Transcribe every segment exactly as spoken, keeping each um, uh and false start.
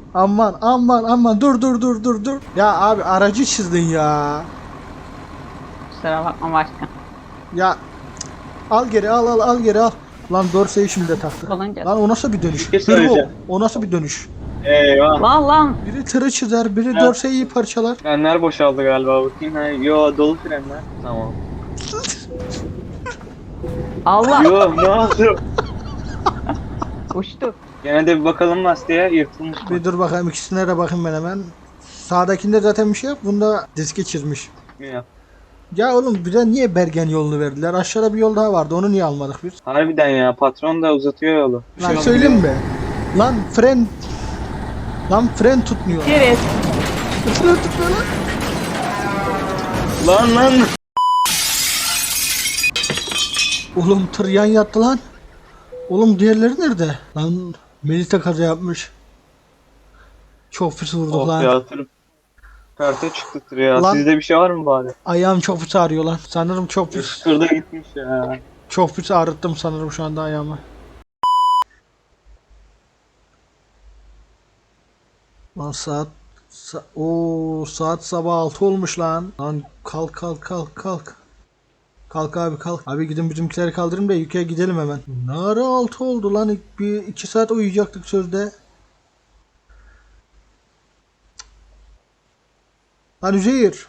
Aman aman aman dur dur dur dur dur. Ya abi aracı çizdin ya. Kusura bakma başkan. Ya al geri al al al geri al. Lan dorseyi şimdi de taktı. Olunca. Lan o nasıl bir dönüş? Bir şey Dur bu. söyleyeceğim. O nasıl bir dönüş? Eyvah. Lan lan. Biri tırı çizer, biri Ya. dorseyi parçalar. Frenler boşaldı galiba, bakayım. Ha, yo dolu frenler. Tamam. Allah. Yo ne oldu? Uçtu. Gene de bir bakalım lastiğe, yırtılmış. Bir dur bakayım ikisine de bakayım ben hemen. Sağdakinde zaten bir şey yok. Bunda diski çizmiş. Ya. Ya oğlum bize niye Bergen yolunu verdiler? Aşağıda bir yol daha vardı. Onu niye almadık biz? Harbiden ya, patron da uzatıyor yolu. Bir Lan şey söyleyeyim olmuyor. mi? Lan fren... Lan fren tutmuyor. Evet. Fren tutmuyor lan. Lan lan. Oğlum tır yan yattı lan. Oğlum diğerleri nerede? Lan Melita kaza yapmış. Çok pis vurduk Oh lan. ya, tır perte çıktı tır ya. Lan. Sizde bir şey var mı bari? Ayağım çok pis ağrıyor lan. Sanırım çok pis. Tırda gitmiş ya. Çok pis ağrıttım sanırım şu anda ayağımı. Lan saat sa o saat sabah altı olmuş lan. Lan kalk kalk kalk kalk. Kalk abi kalk. Abi gidin bizimkileri kaldırın da yukarı gidelim hemen. Ne ara altı oldu lan? Bir iki saat uyuyacaktık sözde. Lan Üzeyir.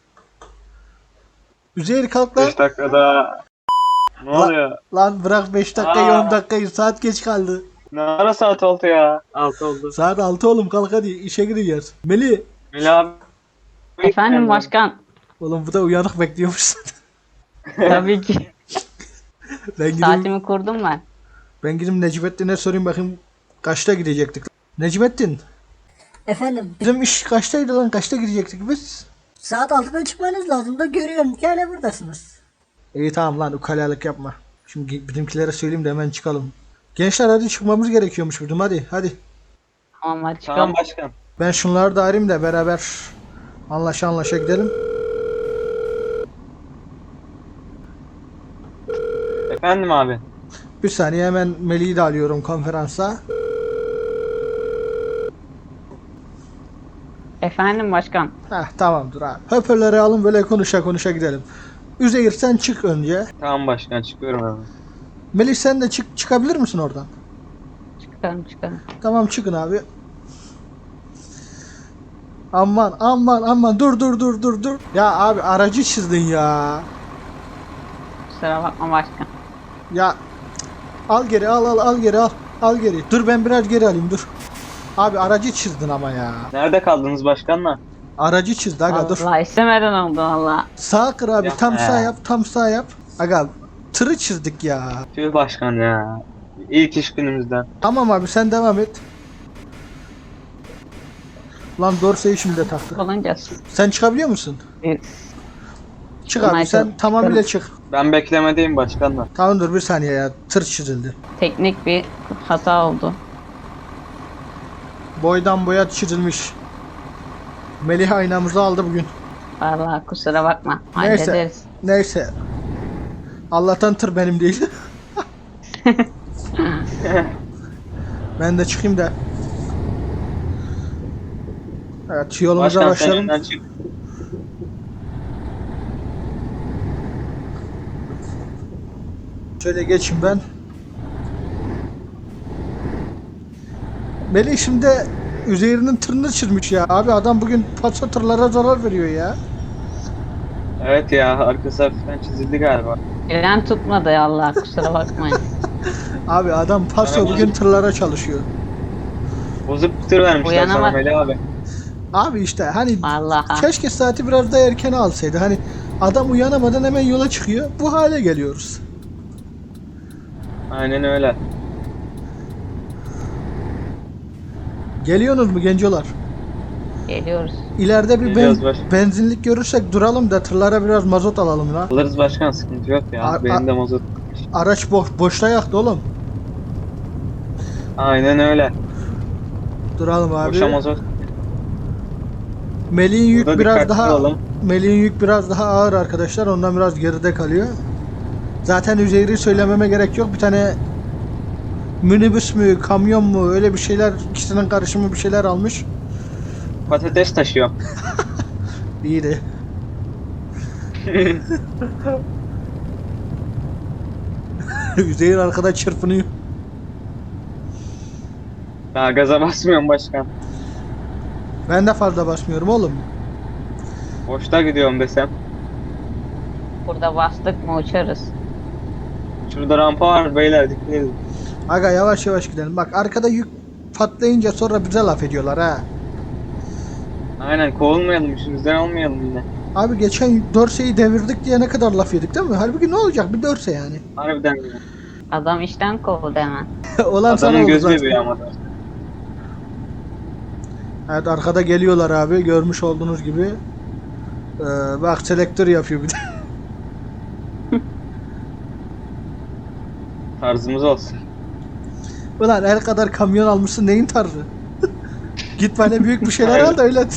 Üzeyir kalk lan. beş dakikada. Ne Lan- oluyor? Lan bırak beş dakikayı Aa. on dakikayı, saat geç kaldı. Ne ara saat oldu ya? altı oldu. Saat altı oğlum, kalk hadi işe gideceğiz. Meli. Melih abi. Efendim başkan. Oğlum bu da uyanık bekliyormuş. Tabii ki. ben gideyim, Saatimi kurdum ben. ben gideyim Necmettin'e sorayım bakayım kaçta gidecektik. Necmettin, Efendim bizim iş kaçtaydı lan, kaçta gidecektik biz? saat altıda çıkmanız lazım da görüyorum ki hala buradasınız. İyi tamam lan, ukalalık yapma. Şimdi bizimkilere söyleyeyim de hemen çıkalım. Gençler hadi çıkmamız gerekiyormuş bizim, hadi hadi. Tamam hadi çıkalım. Tamam başkan. Ben şunları da arayayım da beraber anlaşa anlaşa gidelim. Efendim abi. Bir saniye hemen Melih'i de alıyorum konferansa. Efendim başkan. Heh tamamdır abi. Hoparlörü alın böyle konuşa konuşa gidelim. Üzeyir sen çık önce. Tamam başkan, çıkıyorum hemen. Melih sen de çık, çıkabilir misin oradan? Çıkalım çıkalım. Tamam çıkın abi. Aman aman aman dur dur dur dur dur. Ya abi aracı çizdin ya. Kusura bakma başkan. Ya al geri al al al geri al. Al geri. Dur ben biraz geri alayım dur. Abi aracı çizdin ama ya. Nerede kaldınız başkanla? Aracı çizdi aga dur. Allah istemeden oldu valla. Sağ kır abi, Ya, tam sağ he. yap tam sağ yap. Aga tırı çizdik ya. Tüh başkan ya. İlk iş günümüzden. Tamam abi sen devam et. Lan dorseyi şimdi de taktı. Olunca. Sen çıkabiliyor musun? Evet. Çık abi Michael, sen tamamıyla çık. Ben beklemedeyim başkanla. Tamam dur bir saniye ya, tır çizildi. Teknik bir hata oldu. Boydan boya çizilmiş. Melih aynamızı aldı bugün. Valla kusura bakma. Neyse. Hallederiz. Neyse. Allah'tan tır benim değil. Ben de çıkayım da. Evet yolumuza Başkan sen başlayalım. önden çık. Şöyle geçeyim ben. Melih şimdi Üzeyir'in tırını çizmiş ya. Abi adam bugün patsa tırlara zarar veriyor ya. Evet ya, arkası hafiften çizildi galiba. Fren tutmadı ya Allah kusura bakmayın. Abi adam paso Merhaba. bugün tırlara çalışıyor. Bozuk bir tır vermişler sana Uyanamadı. Melih abi. Abi işte hani Vallahi. keşke saati biraz daha erken alsaydı. Hani adam uyanamadan hemen yola çıkıyor. Bu hale geliyoruz. Aynen öyle. Geliyorsunuz mu gencolar? Geliyoruz. İleride bir ben, Geliyoruz baş- benzinlik görürsek duralım da tırlara biraz mazot alalım la. Alırız başkan, sıkıntı yok ya. A- Benim a- de mazot. Araç boş, boşta yaktı oğlum. Aynen öyle. Duralım abi. Boşa mazot. Melih'in yük Burada biraz dikkatli daha olalım. Melih'in yük biraz daha ağır arkadaşlar. Ondan biraz geride kalıyor. Zaten Üzeyir'i söylememe gerek yok. Bir tane minibüs mü, kamyon mu öyle bir şeyler, ikisinin karışımı bir şeyler almış. Patates taşıyor. İyiydi. Üzeyir arkada çırpınıyor. Daha gaza basmıyorum başkan. Ben de fazla basmıyorum oğlum. Boşta gidiyorum desem. Burada bastık mı uçarız. Şurada rampa var beyler, dikkat edin. Aga yavaş yavaş gidelim. Bak arkada yük patlayınca sonra bize laf ediyorlar ha. Aynen, kovulmayalım, işimizden olmayalım yine. Abi geçen Dorsey'i devirdik diye ne kadar laf yedik değil mi? Halbuki ne olacak bir Dorsey yani. Harbiden ya. Adam işten kovuldu hemen. Olan sana Adamın oldu göz zaten. bebeği ama da. Evet arkada geliyorlar abi görmüş olduğunuz gibi. Ee, bak selektör yapıyor bir de. Tarzımız olsun. Ulan el kadar kamyon almışsın neyin tarzı? Git bana büyük bir şeyler al da öyle.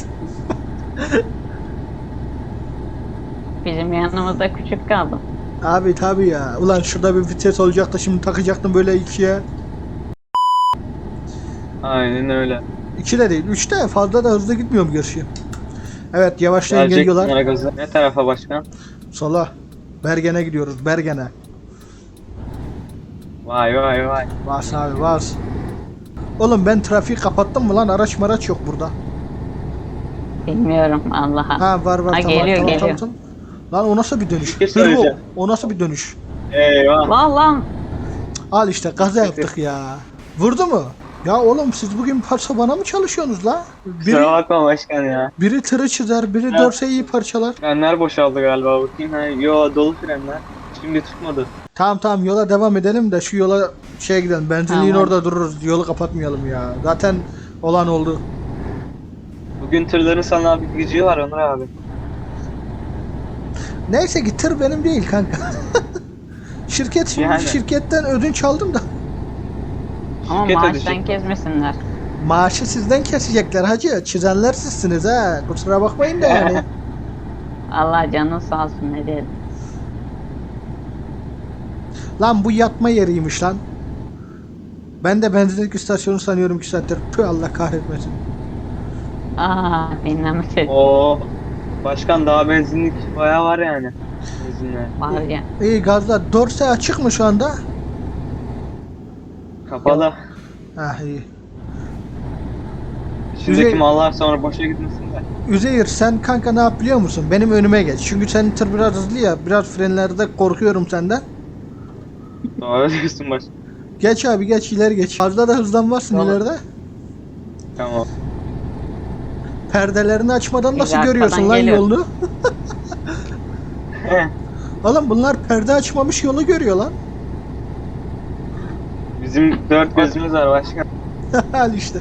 Bizim yanımızda küçük kaldı. Abi tabi ya. Ulan şurada bir vites olacaktı şimdi takacaktım böyle ikiye. Aynen öyle. İki de değil üçte fazla da hızlı gitmiyorum gerçi. Evet yavaşlayın Gelecek geliyorlar. bunlara gazı. Ne tarafa başkan? Sola. Bergen'e gidiyoruz Bergen'e. Vay vay vay. Bas abi bas. Oğlum ben trafiği kapattım mı lan araç maraç yok burada. Bilmiyorum Allah'a. Ha var var Ha, tamam, geliyor, tamam, geliyor. tamam, tamam. Lan o nasıl bir dönüş? Bir şey Hırvo, söyleyeceğim. o nasıl bir dönüş? Eyvah. Lan lan. Al işte kaza yaptık ya. Vurdu mu? Ya oğlum siz bugün parça bana mı çalışıyorsunuz la? Biri, Kusura bakma başkan ya. biri tırı çizer, biri Evet. dorseyi parçalar. Frenler boşaldı galiba, bakayım. Ha, yo, dolu frenler. Şimdi tutmadı. Tamam tamam yola devam edelim de şu yola şeye gidelim. Benzinliğin Tamam. orada dururuz. Yolu kapatmayalım ya. Zaten olan oldu. Bugün tırların sana bir gücü var Onur abi. Neyse ki tır benim değil kanka. Şirket şimdi Yani. şirketten ödünç aldım da. Ama Şirket maaştan ödeyecek. kesmesinler. Maaşı sizden kesecekler hacı. Çizenler sizsiniz ha. Kusura bakmayın da yani. Allah canın sağ olsun ne diyelim. Lan bu yatma yeriymiş lan. Ben de benzinlik istasyonu sanıyorum ki saattir. Tüh Allah kahretmesin. Aa dinlemedim. Oo. Başkan daha benzinlik bayağı var yani. Benzinler. Var ya. İyi gazlar. Dorse açık mı şu anda? Kapalı. Ah iyi. İçindeki Üzey- mallar sonra boşa gitmesin de. Üzeyir sen kanka ne yap biliyor musun? Benim önüme geç. Çünkü senin tır biraz hızlı ya. Biraz frenlerde korkuyorum senden. Doğru diyorsun başkan. Geç abi geç ileri geç. Fazla da hızlanmazsın Tamam. ileride. Tamam. Perdelerini açmadan nasıl Biz görüyorsun arkadan lan geliyoruz. yolunu? Oğlum bunlar perde açmamış yolu görüyor lan. Bizim dört gözümüz var başkan. Al işte.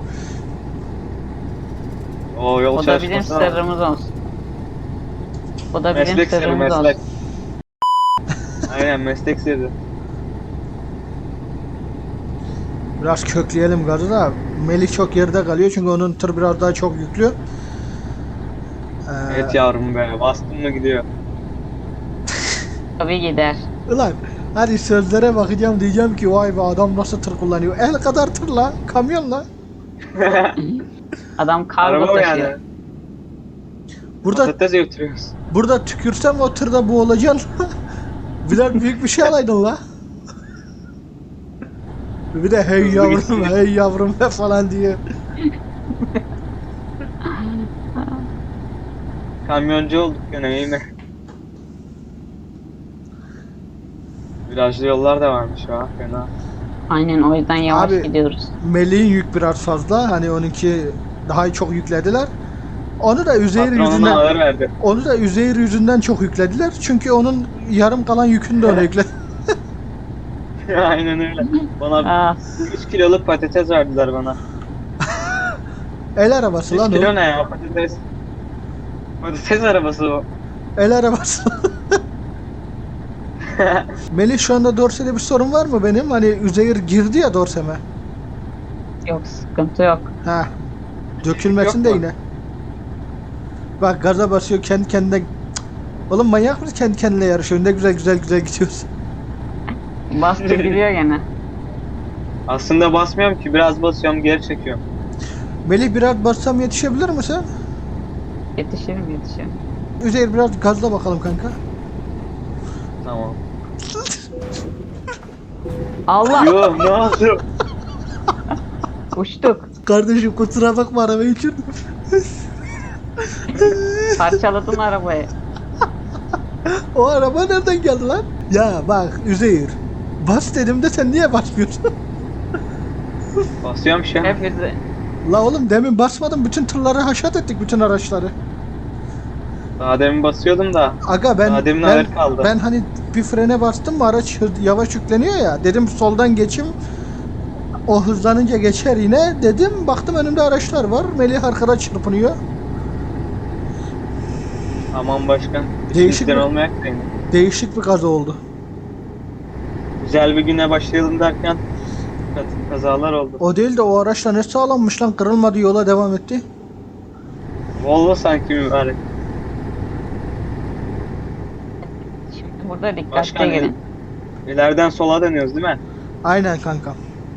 O yol O da bizim çalışması var. sırrımız olsun. O da bizim Meslek sırrı, sırrımız meslek. olsun. Aynen, meslek sırrı. Biraz kökleyelim gazı da. Melih çok geride kalıyor çünkü onun tır biraz daha çok yüklü. Ee, Evet yavrum be, bastın mı gidiyor. Tabii gider. Ulan hadi sözlere bakacağım diyeceğim ki vay be adam nasıl tır kullanıyor. El kadar tırla, kamyonla. Adam kargo Araba mı taşıyor. yani? Burada Patates götürüyoruz. burada tükürsem o tırda boğulacaksın. Biraz büyük bir şey alaydın la. Bir de hey Hızlı yavrum gitsin. hey yavrum falan diye. Kamyoncu olduk gene, iyi mi? Virajlı yollar da varmış ha, fena. Aynen o yüzden yavaş Abi- gidiyoruz. Melih'in yük biraz fazla. Hani onunki daha çok yüklediler. Onu da Üzeyir Patron ona yüzünden ağır verdi. onu da Üzeyir yüzünden çok yüklediler. Çünkü onun yarım kalan yükünü de ona yükledi. Aynen öyle. Bana Aa, üç kiloluk patates verdiler bana. El arabası üç lan kilo o. ne ya, patates? Patates arabası o. El arabası. Melih şu anda Dorse'de bir sorun var mı benim? Hani Üzeyir girdi ya Dorse'me. yok sıkıntı yok. Ha. Dökülmesin Yok de mu? yine. Bak gaza basıyor kendi kendine. Cık. Oğlum manyak mısın kendi kendine yarışıyor? Ne güzel güzel güzel gidiyorsun. Bastı gidiyor gene. Aslında basmıyorum ki, biraz basıyorum geri çekiyorum. Melih biraz bassam yetişebilir misin? Yetişirim yetişirim. Üzeyir biraz gazla bakalım kanka. Tamam. Allah Yo, ne oldu? uçtuk. Kardeşim kusura bakma araba için. Parçaladın arabayı. O araba nereden geldi lan? Ya bak Üzeyir. Bas dedim de sen niye basmıyorsun? Basıyorum şu an. Hepimizi. La oğlum demin basmadım. Bütün tırları haşat ettik, bütün araçları. Daha demin basıyordum da. Aga ben Daha demin ben, ağır kaldı. ben hani bir frene bastım mı araç hız- yavaş yükleniyor ya. Dedim soldan geçim. O hızlanınca geçer yine. Dedim baktım önümde araçlar var. Melih arkada çırpınıyor. Aman başkan. Değişik İşimizden mi? olmayak da yine. Değişik bir kaza oldu. Güzel bir güne başlayalım derken kazalar oldu. O değil de o araçla ne sağlanmış lan, kırılmadı, yola devam etti. Volvo sanki mübarek. Şimdi burada dikkatli Başkan gelin. ileriden sola dönüyoruz değil mi? Aynen kanka.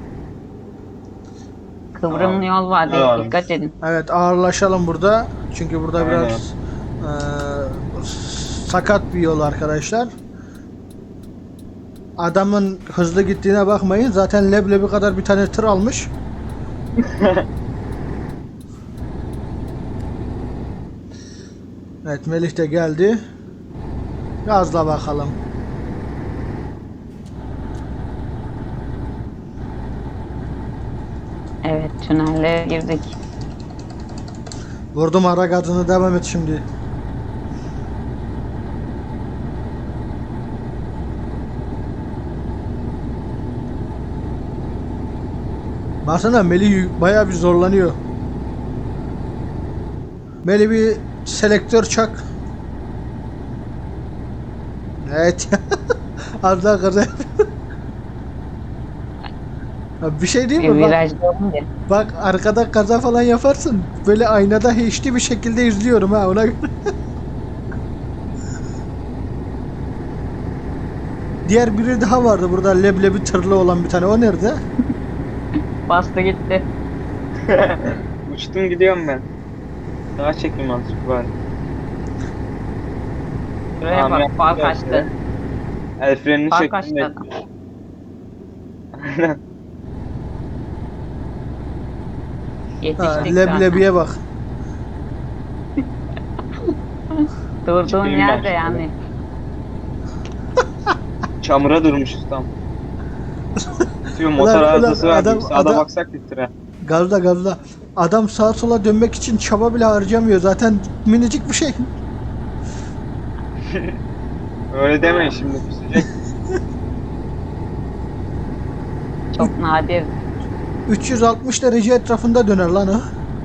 Kıvrımlı Tamam. yol var diye Tamam. dikkat edin. Evet ağırlaşalım burada. Çünkü burada Aynen. biraz eee, sakat bir yol arkadaşlar. Adamın hızlı gittiğine bakmayın. Zaten leblebi kadar bir tane tır almış. Evet Melih de geldi. Gazla bakalım. Evet tünelle girdik. Vurdum ara gazını, devam et şimdi. Baksana Melih bayağı bir zorlanıyor. Melih bir selektör çak. Evet. Az daha kaza yapıyor. Ya bir şey değil Bir mi? Bak, virajda olunca. bak arkada kaza falan yaparsın. Böyle aynada H D bir şekilde izliyorum ha ona göre. Diğer biri daha vardı burada, leblebi tırlı olan bir tane. O nerede? Bastı gitti. Uçtum gidiyorum ben. Daha çekeyim azıcık bari. Şuraya Tamam, bak yaptım far biraz kaçtı. ya. El frenini Far çektim. kaçtı de- adam. Aynen. Ha, Yetiştik leblebiye bak. zaten. Durduğun Çıkayım yerde ben yani. Çamura durmuşuz tam. Diyor motor Ulan, ulan, arızası var. adam- Sağda adam- baksak bir tıra. Gazla gazla. Adam sağa sola dönmek için çaba bile harcamıyor. Zaten minicik bir şey. Öyle demeyin şimdi. Küsecek. Çok nadir. üç yüz altmış derece etrafında döner lan o.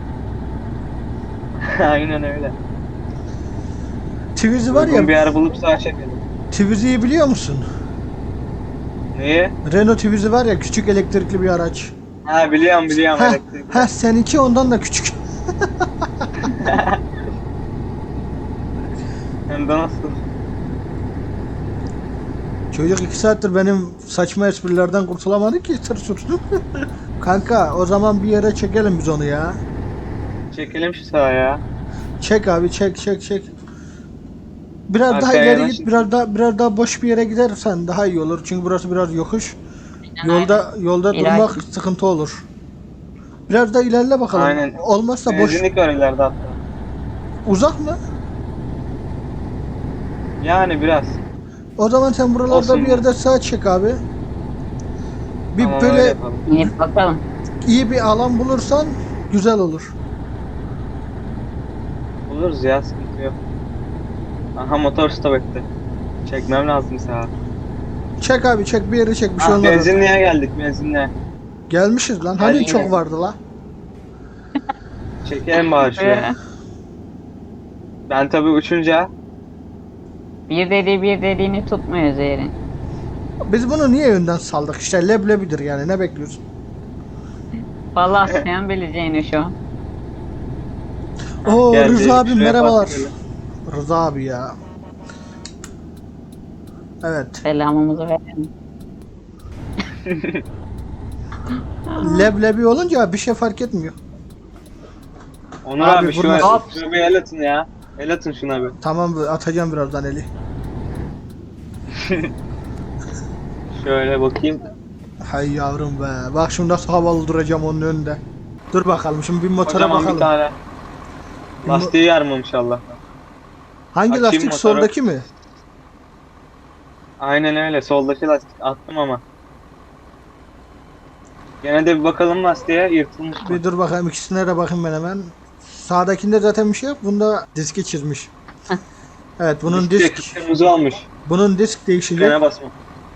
Aynen öyle. Twizy var Uygun bir ya. yer bulup sağa çekelim. Twizy'yi biliyor musun? Neyi? Renault Twizy var ya, küçük elektrikli bir araç. Ha biliyorum biliyorum Heh, elektrik. heh, seninki ondan da küçük. Hem de nasıl? Çocuk iki saattir benim saçma esprilerden kurtulamadı ki tır sürsün. Kanka o zaman bir yere çekelim biz onu ya. Çekelim şu sağa ya. Çek abi, çek çek çek. Biraz daha Arkaya ileri yanaşın. git, biraz daha biraz daha boş bir yere gidersen daha iyi olur. Çünkü burası biraz yokuş. Yolda yolda İleride. durmak sıkıntı olur. Biraz da ilerle bakalım. Aynen. Olmazsa boş. Benzinlik var ileride hatta. Uzak mı? Yani biraz. O zaman sen buralarda Olsun. bir yerde sağa çek abi. Bir Tamam, öyle böyle yapalım. İyi bakalım. iyi bir alan bulursan güzel olur. Buluruz ya, sıkıntı yok. Aha motor stop etti. Çekmem lazım sağa. Çek abi, çek bir yere çek, bir şey Ah, olmaz. benzinliğe geldik, benzinliğe. Gelmişiz lan. Hani Geldik. çok vardı la. Çekelim bari şuraya. Ben tabii uçunca Bir dediği bir dediğini tutmuyor Zehrin. Biz bunu niye önden saldık? İşte leblebidir yani, ne bekliyorsun? Vallahi sen bileceğini şu an. Oo geldi, Rıza abi şuraya merhabalar. park edelim. Rıza abi ya. Evet. Selamımızı verelim. Leblebi olunca bir şey fark etmiyor. Onur Abi abi, şu bunlar- an şuna bir el atın ya. El atın şuna bir. Tamam atacağım birazdan eli. Şöyle bakayım. Hay yavrum be. Bak şimdi nasıl havalı duracağım onun önünde. Dur bakalım şimdi bir motora Kocaman bakalım. bir tane. Bir mo- Lastiği yarmamış Allah. Hangi Açayım lastik motoru. soldaki mi? Aynen öyle. Soldaki lastik attım ama. Gene de bir bakalım lastiğe yırtılmış mı? Bir dur bakayım ikisine de bakayım ben hemen. Sağdakinde zaten bir şey yok. Bunda diski çizmiş. Evet bunun Disk disk kırmızı olmuş. bunun disk değişecek. Frene basma.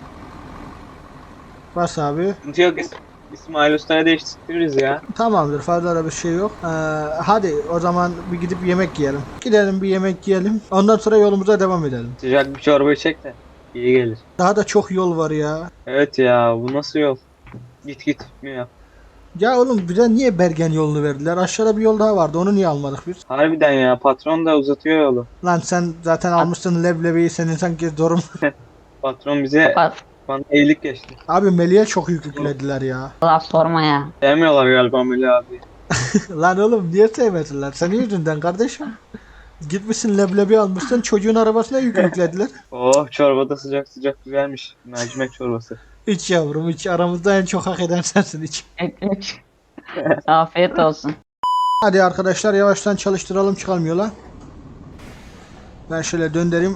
Bas abi. Sıkıntı yok. İs- İsmail Usta'ya değiştiririz ya. Tamamdır fazla da bir şey yok. Ee, hadi o zaman bir gidip yemek yiyelim. Gidelim bir yemek yiyelim. Ondan sonra yolumuza devam edelim. Sıcak bir çorba içecek de iyi gelir. Daha da çok yol var ya. Evet ya, bu nasıl yol? Git git bitmiyor. Ya oğlum bize niye Bergen yolunu verdiler? Aşağıda bir yol daha vardı. Onu niye almadık biz? Harbiden ya, patron da uzatıyor yolu. Lan sen zaten almışsın leblebiyi senin sanki zorun. Patron bize Bak bana iyilik geçti. Abi Melih'e çok yük yüklediler ya. laf sorma ya. Sevmiyorlar galiba Melih abi. Lan oğlum niye sevmediler? Senin yüzünden kardeşim. Gitmişsin leblebi almışsın çocuğun arabasına yük yüklediler. Oh, çorba da sıcak sıcak güzelmiş. Mercimek çorbası. İç yavrum iç aramızda en çok hak eden sensin iç. Ekmek. Afiyet olsun. Hadi arkadaşlar yavaştan çalıştıralım çıkalım yola. Ben şöyle döndüreyim.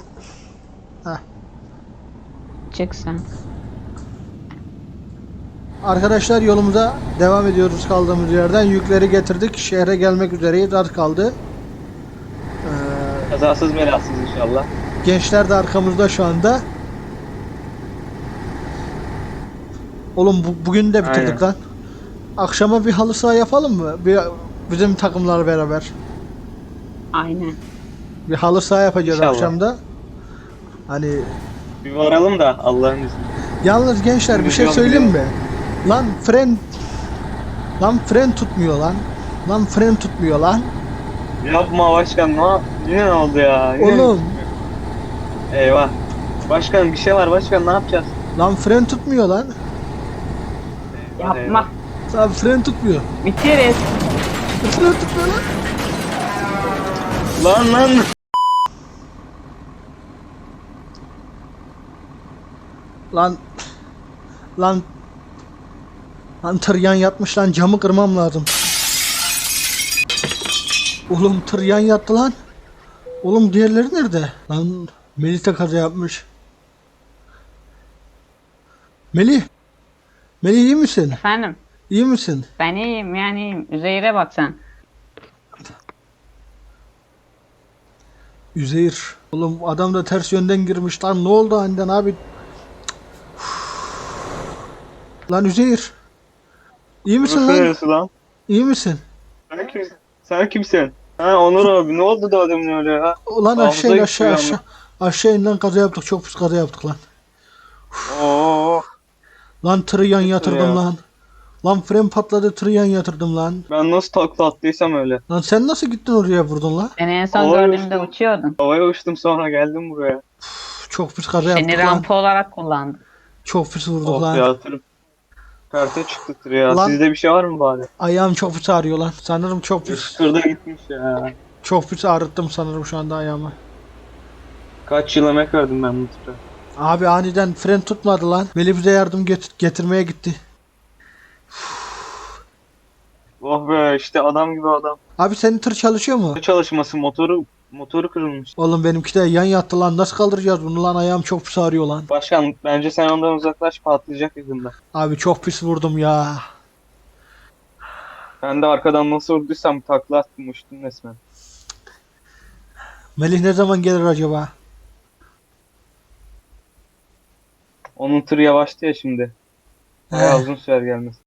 Çık sen. Arkadaşlar yolumuza devam ediyoruz kaldığımız yerden. Yükleri getirdik. Şehre gelmek üzereyiz. Az kaldı. Ee, Kazasız belasız inşallah. gençler de arkamızda şu anda. Oğlum bu, bugün de bitirdik Aynen. lan. Akşama bir halı saha yapalım mı? Bir, bizim takımlar beraber. Aynen. Bir halı saha yapacağız İnşallah. akşamda. Hani Bir varalım da Allah'ın izniyle. yalnız gençler bir şey Biliyorum, söyleyeyim mi? biliyorum. Lan fren Lan fren tutmuyor lan. Lan fren tutmuyor lan. Yapma başkan, ne yap- yine ne oldu ya? Yine mi Oğlum tutmuyor? Eyvah. Başkan bir şey var başkan, ne yapacağız? lan fren tutmuyor lan. Eyvah, Yapma. Lan fren tutmuyor. Biteriz. Fren tutmuyor lan. eyvah. Lan lan. Lan lan lan tır yan yatmış lan camı kırmam lazım. Oğlum tır yan yattı lan. Oğlum diğerleri nerede? Lan Melih de kaza yapmış. Melih. Melih iyi misin? Efendim. İyi misin? Ben iyiyim yani iyiyim. Üzeyir'e bak sen. Üzeyir. Oğlum adam da ters yönden girmiş lan ne oldu aniden abi? Lan Üzeyir. İyi misin Nasıl lan? neresi lan? İyi misin? Sen kimsin? Sen kimsin? Ha Onur abi, ne oldu da adamın öyle ya? Ulan Hafıza aşağı in gitti aşağı bir aşağı. Aşağı in lan kaza yaptık çok pis kaza yaptık lan. Oo, Lan tırı yan yatırdım ya. lan. Lan fren patladı tırı yan yatırdım lan. ben nasıl takla attıysam öyle. Lan sen nasıl gittin oraya vurdun lan? Seni en son Havaya gördüğümde uçtum. uçuyordun. Havaya uçtum sonra geldim buraya. Üf, çok pis kaza Seni yaptık lan. rampa olarak kullandım. Çok pis vurduk Oh lan. ya, tırım. Perte çıktı tır ya. Lan- Sizde bir şey var mı bari? Ayağım çok pis ağrıyor lan. Sanırım çok pis. Tırda gitmiş ya. Çok pis ağrıttım sanırım şu anda ayağımı. Kaç yıl emek verdim ben bu tıra. Abi aniden fren tutmadı lan. Melih bize yardım get- getirmeye gitti. Oh be, işte adam gibi adam. Abi senin tır çalışıyor mu? Ne çalışması, motoru motoru kırılmış. Oğlum benimki de yan yattı lan. Nasıl kaldıracağız bunu lan? Ayağım çok pis ağrıyor lan. Başkan bence sen ondan uzaklaş, patlayacak yakında. Abi çok pis vurdum ya. Ben de arkadan nasıl vurduysam takla attım, uçtum resmen. Melih ne zaman gelir acaba? Onun tırı yavaştı ya şimdi. Bayağı He. uzun sürer gelmesi.